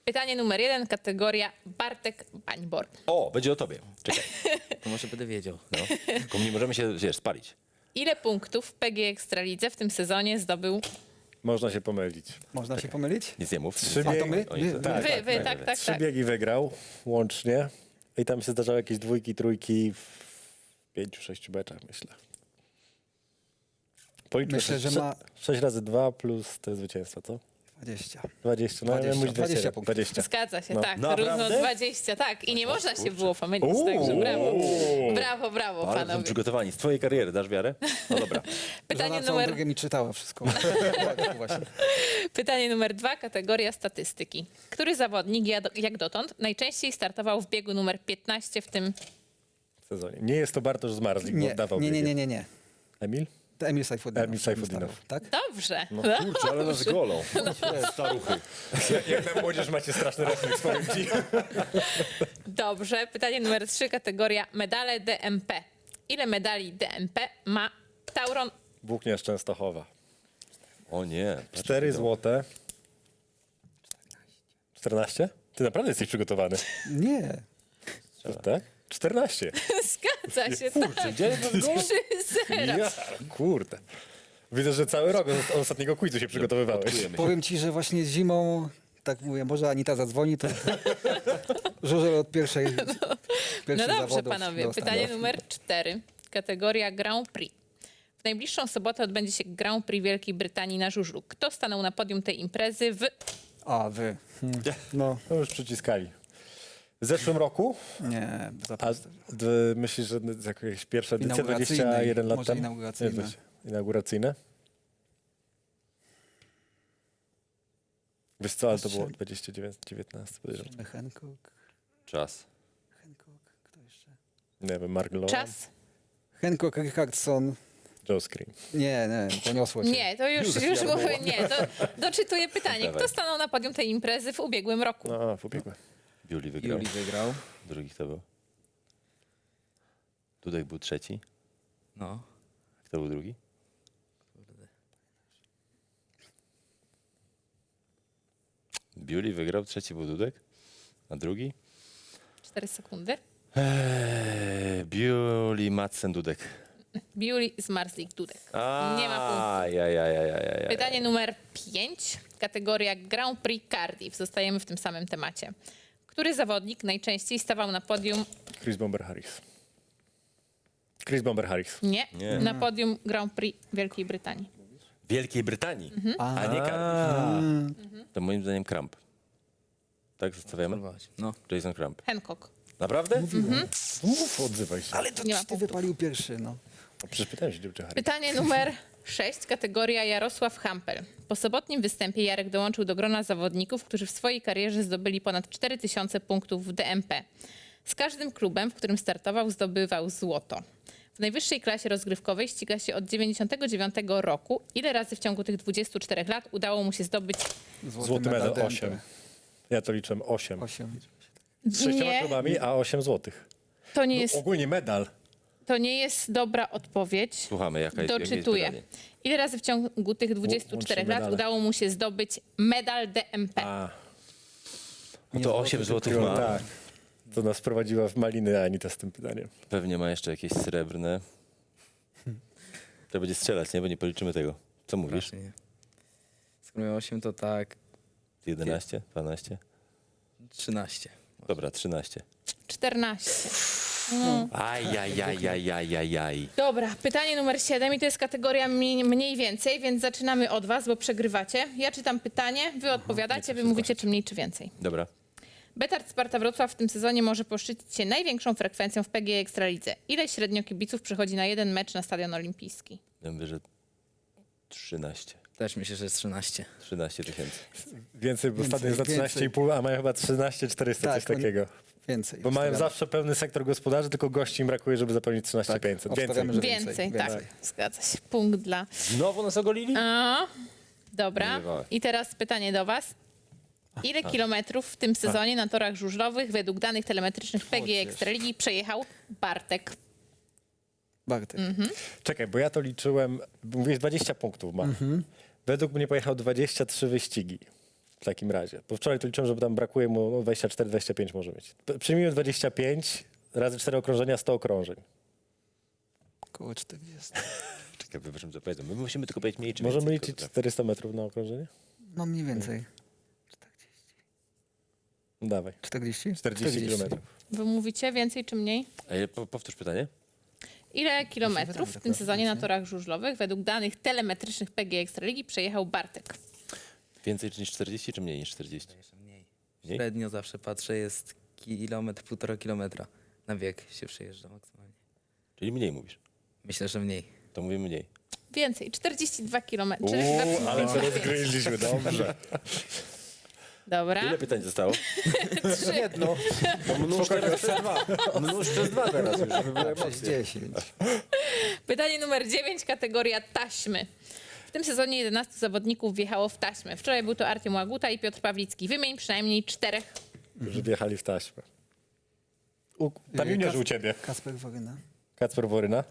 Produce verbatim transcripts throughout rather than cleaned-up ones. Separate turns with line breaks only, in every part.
Pytanie numer jeden, kategoria Bartek Bańbor.
O, będzie o tobie. Czekaj.
To może będę wiedział.
No. Tylko nie możemy się, wiesz, spalić.
Ile punktów w P G Ekstralidze w tym sezonie zdobył
Można się pomylić.
Można się pomylić?
Nic nie mów.
Trzy
A to
biegi,
my?
Oni
Wy-
to-
wy-
tak,
wy,
tak,
wy,
tak,
tak, tak,
trzy
tak.
biegi wygrał łącznie. I tam się zdarzały jakieś dwójki, trójki w pięciu, sześciu meczach, myślę. Policzmy
Myślę,
sześć,
że ma-
sześć razy dwa plus te zwycięstwa, co?
dwadzieścia.
dwadzieścia. No,
dwadzieścia.
dwadzieścia,
dwadzieścia punktów.
dwadzieścia.
Zgadza się,
No.
tak.
Naprawdę?
Równo dwadzieścia, tak. I nie można się było pomylić, także brawo. Brawo, brawo,
Ale są
panowie.
przygotowani. Z twojej kariery dasz wiarę? No dobra.
Pytanie
Żona całą
numer,
drogę mi czytała wszystko. Tak, właśnie.
pytanie numer dwa, kategoria statystyki. Który zawodnik, ja- jak dotąd, najczęściej startował w biegu numer piętnaście w tym...
W sezonie. Nie jest to Bartosz Zmarzlik, bo
Nie,
oddawał
nie, nie,
biegi.
nie, nie, nie.
Emil?
To Emil Sajfudinow.
Emil Sajfudinow.
Tak?
Dobrze.
Kurczę, ale nas golą. Staruchy.
Jak na młodzież macie straszny refleks, powiem ci.
Dobrze. Pytanie numer trzy, kategoria medale D M P. Ile medali D M P ma Tauron?
Włókniarz Częstochowa.
O nie.
Cztery złote. czternaście? Ty naprawdę jesteś przygotowany.
Nie.
Tak? czternaście.
Zgadza się, tak.
Gdzie jest ten gol?
trzy zero.
Ja, kurde. Widzę, że cały rok od ostatniego quizu się przygotowywałeś.
Odkujemy się.
Powiem ci, że właśnie zimą, tak mówię, może Anita zadzwoni, to żużel od pierwszej,
No
pierwszych
dobrze,
zawodów
panowie.
do
Pytanie
ostatniego.
numer cztery. Kategoria Grand Prix. W najbliższą sobotę odbędzie się Grand Prix Wielkiej Brytanii na żużlu. Kto stanął na podium tej imprezy w...
A, wy. Hmm. No,
No już przyciskali. W zeszłym roku,
nie,
a
zapomnę.
d- myślisz, że z jakaś pierwsza edycja
Inauguracyjnej,
dwadzieścia jeden lat
może
temu?
inauguracyjne.
Nie, to się- Inauguracyjne? Wiesz co, ale to było dwadzieścia dziewięć, dziewiętnaście, podejrzewam.
Hancock,
Czas.
Hancock, kto jeszcze?
Nie wiem, Mark Lowan,
Czas?
Hancock, Richardson.
Joe Scream.
Nie, nie, poniosło cię.
Nie, to już, już mówię, nie. To doczytuję pytanie. Kto
Dawaj.
stanął na podium tej imprezy w ubiegłym roku?
No, w ubiegłym.
Biuli wygrał.
Juli wygrał.
Drugi kto był? Dudek był trzeci.
No.
Kto był drugi? Biuli wygrał, trzeci był Dudek. A drugi?
Cztery sekundy.
Eee, Biuli, Madsen, Dudek.
Biuli Zmarzlik Dudek.
A,
Nie ma punktu.
Ja, ja, ja, ja, ja, ja.
Pytanie numer pięć. Kategoria Grand Prix Cardiff. Zostajemy w tym samym temacie. Który zawodnik najczęściej stawał na podium...
Chris Bomber Harris. Chris Bomber Harris.
Nie,
Nie.
na podium Grand Prix Wielkiej Brytanii.
Wielkiej Brytanii, a nie Cardiff.
A,
To moim zdaniem Kramp. Tak zostawiamy?
Próbować. No.
Jason Kramp.
Hancock.
Naprawdę?
mów, odzywaj się.
Ale to
Nie ma
ty
punktu.
wypalił pierwszy, no.
A przecież pytałem się, gdzie Harris.
Pytanie numer sześć. Kategoria Jarosław Hampel. Po sobotnim występie Jarek dołączył do grona zawodników, którzy w swojej karierze zdobyli ponad cztery tysiące punktów w D M P. Z każdym klubem, w którym startował, zdobywał złoto. W najwyższej klasie rozgrywkowej ściga się od dziewięćdziesiątego dziewiątego roku. Ile razy w ciągu tych dwudziestu czterech lat udało mu się zdobyć...
Złoty medal
D M P.
osiem. Ja to liczę osiem.
Osiem.
Z sześcioma
Nie,
klubami, a osiem złotych.
to nie jest,
Ogólnie medal.
to nie jest dobra odpowiedź.
Słuchamy, jaka jest, jakie jest
Doczytuję.
pytanie?
Ile razy w ciągu tych dwudziestu czterech
Łącznie
lat
medale.
udało mu się zdobyć medal D M P?
A,
No to osiem złotych
no
ma.
tak. To nas prowadziła w maliny Anita z tym pytaniem.
Pewnie ma jeszcze jakieś srebrne. To będzie strzelać, nie? Bo nie policzymy tego. Co mówisz?
Właśnie nie. Skoro miał osiem, to tak
jedenaście? dwanaście?
trzynaście.
Dobra, trzynaście.
czternaście.
Ajajajajajajaj.
Dobra, pytanie numer siedem i to jest kategoria mi- mniej więcej, więc zaczynamy od was, bo przegrywacie. Ja czytam pytanie, wy odpowiadacie, wy mówicie czy mniej, czy więcej.
Dobra.
Betard Sparta Wrocław w tym sezonie może poszczycić się największą frekwencją w P G Ekstralidze. Ile średnio kibiców przychodzi na jeden mecz na Stadion Olimpijski?
Ja mówię, że trzynaście.
Też myślę, że jest trzynaście.
trzynaście tysięcy.
Więcej, bo
Więcej,
ostatnio jest za trzynaście i pół, a mają chyba trzynaście czterysta,
Tak,
coś
oni-
takiego.
Więcej.
Bo mają
Obstawiamy.
zawsze pełny sektor gospodarzy, tylko gości im brakuje, żeby zapełnić trzynaście pięćset. Więcej.
obstawiamy, że
Więcej,
więcej,
tak.
więcej.
Zgadza się. Punkt dla...
Znowu nas ogolili?
A, dobra.
Nie bywałem.
I teraz pytanie do was. Ile kilometrów w tym sezonie na torach żużlowych według danych telemetrycznych P G Ekstraligi przejechał Bartek?
Bartek.
Czekaj, bo ja to liczyłem, mówiłeś dwadzieścia punktów ma. Według mnie pojechał dwadzieścia trzy wyścigi. w takim razie. Bo wczoraj to liczyłem, że tam brakuje mu no, dwadzieścia cztery dwadzieścia pięć może mieć. P- Przyjmijmy dwadzieścia pięć razy cztery okrążenia, sto okrążeń.
Około czterdzieści.
Czekaj, wybaczmy, co powiedzą. My musimy tylko powiedzieć mniej czy
Możemy
więcej,
liczyć
tylko tak.
czterysta metrów na okrążenie?
No mniej więcej.
No dawaj.
czterdzieści?
czterdzieści kilometrów.
Wy mówicie więcej czy mniej?
A ja po, powtórz pytanie.
Ile kilometrów
wydaje,
w
że
tym
to
sezonie na
więcej.
torach żużlowych według danych telemetrycznych P G Ekstraligi przejechał Bartek?
Więcej niż czterdzieści, czy mniej niż czterdzieści?
Jeszcze mniej.
Mniej?
Średnio zawsze patrzę, jest kilometr, półtora kilometra. Na bieg się przejeżdża maksymalnie.
Czyli mniej mówisz.
Myślę, że mniej.
To mówimy mniej.
Więcej, czterdzieści dwa kilometry.
Uuu, ale to rozgryźliśmy, dobrze.
Dobra.
Ile pytań zostało?
Jedno.
Mnóż teraz przez dwa.
Mnóż przez dwa teraz już. żeby były
Przez
emocje.
dziesięć.
Pytanie numer dziewięć, kategoria taśmy. W tym sezonie jedenastu zawodników wjechało w taśmę. Wczoraj był to Artem Łaguta i Piotr Pawlicki. Wymień przynajmniej czterech.
Że wjechali w taśmę. U, tam
Yy,
juniorzy
Kas-
u ciebie.
Kasper Woryna.
Kacper Woryna.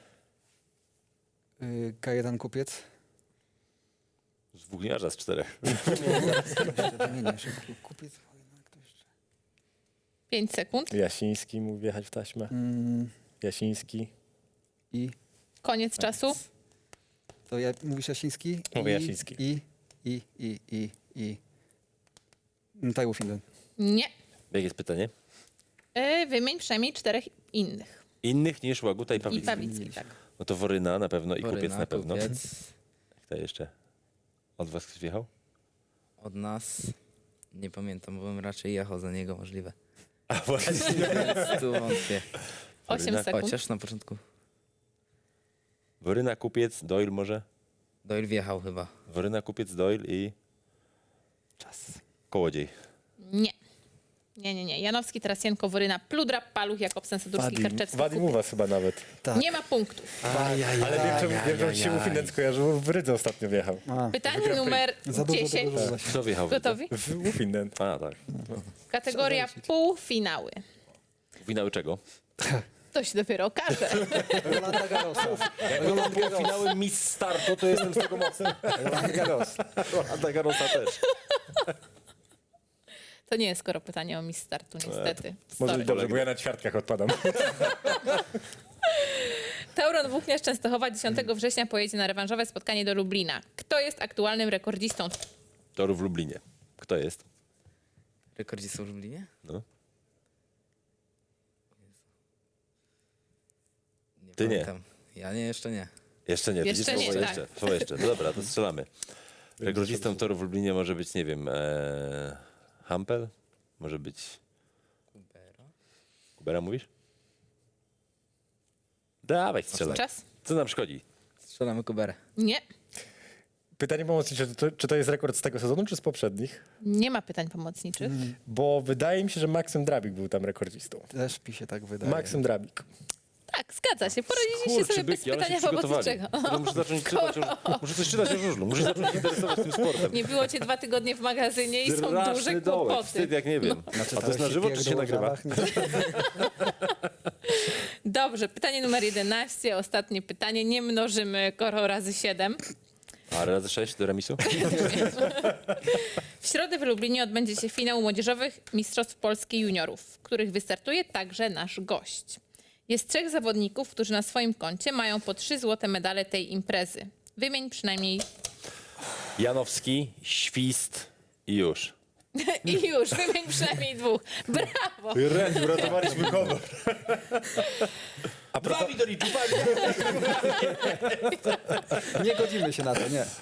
Yy, K jeden Kupiec.
Z włókniarza z czterech.
Wymienię szybko. Kupiec, Woryna, kto jeszcze?
Pięć sekund.
Jasiński mógł wjechać w taśmę.
Mm,
Jasiński.
I?
Koniec czasu.
To ja, mówisz Jasiński?
Mówię
I,
Jasiński.
I, i, i, i, i. Taiwo Finland.
Nie.
Jakie jest pytanie?
E, wymień przynajmniej czterech innych.
Innych niż Łaguta i
I
Pawlicki.
Pawlicki, tak.
No to Woryna na pewno i
Woryna,
Kupiec na pewno.
Kupiec.
Kto jeszcze? Od was ktoś wjechał?
Od nas nie pamiętam, bo bym raczej jechał za niego możliwe.
A właśnie.
Więc tu wątpię.
Osiem
Woryna.
sekund.
Chociaż na początku.
Woryna, Kupiec, Doyle może?
Doyle wjechał chyba.
Woryna, Kupiec, Doyle i
Czas.
Kołodziej.
Nie. Nie, nie, nie. Janowski, Tarasienko, Woryna, Pludra, Paluch, Jakobsen, Sadurski,
Wadim,
Karczewski,
Wadim u
Kupiec.
was chyba nawet.
Tak.
Nie ma punktów.
Ale wiem, czemu, wiem, czemu ci się Ufinen skojarzył. W Rydze ostatnio wjechał.
A,
Pytanie numer
za dużo,
dziesięć.
dużo, dużo.
Kto wjechał?
Gotowi?
W Ufinen.
A, tak.
Kategoria półfinały.
Finały czego?
To się dopiero okaże.
Rolanda Garrosa.
Jak było finały Miss Startu, to jestem z tego mocny.
Rolanda Garrosa.
Rolanda Garrosa też.
To nie jest skoro pytanie o Miss Startu, niestety.
Może
Sorry.
i dobrze, bo ja na ćwiartkach odpadam.
Tauron Włókniarz Częstochowa dziesiątego września pojedzie na rewanżowe spotkanie do Lublina. Kto jest aktualnym rekordzistą?
Toru w Lublinie. Kto jest?
Rekordzistą w Lublinie?
No.
Nie
Ty nie.
pamiętam. Ja nie, jeszcze nie.
Jeszcze nie.
Jeszcze
widzisz,
nie,
słowo
tak.
jeszcze. Słowo jeszcze. No dobra, to strzelamy. Rekordzistą toru w Lublinie może być, nie wiem, e, Hampel? Może być...
Kubera?
Kubera mówisz? Dawaj, strzelaj.
Czas?
Co nam szkodzi?
Strzelamy Kuberę.
Nie.
Pytanie pomocnicze, czy to, czy to jest rekord z tego sezonu, czy z poprzednich?
Nie ma pytań pomocniczych.
Bo wydaje mi się, że Maksym Drabik był tam rekordzistą.
Też mi się tak wydaje.
Maksym Drabik.
Tak, zgadza się. Poradziliście sobie bez pytania pomocniczego.
Ja muszę zacząć czytać o, muszę coś czytać o żużlu, muszę zacząć się interesować tym sportem.
Nie było cię dwa tygodnie w magazynie i są
Straszny
duże
dołek,
kłopoty.
wstyd jak nie wiem. A to jest na żywo, czy się nagrywa?
Dobrze, pytanie numer jedenaście, ostatnie pytanie. Nie mnożymy koro razy siedem.
A razy sześć do remisu?
W środę w Lublinie odbędzie się finał młodzieżowych Mistrzostw Polski Juniorów, w których wystartuje także nasz gość. Jest trzech zawodników, którzy na swoim koncie mają po trzy złote medale tej imprezy. Wymień przynajmniej
Janowski, Świst i już.
i już, wymień przynajmniej dwóch. Brawo!
Ren, uratowaliśmy honor.
A propos...
Nie godzimy się na to, nie.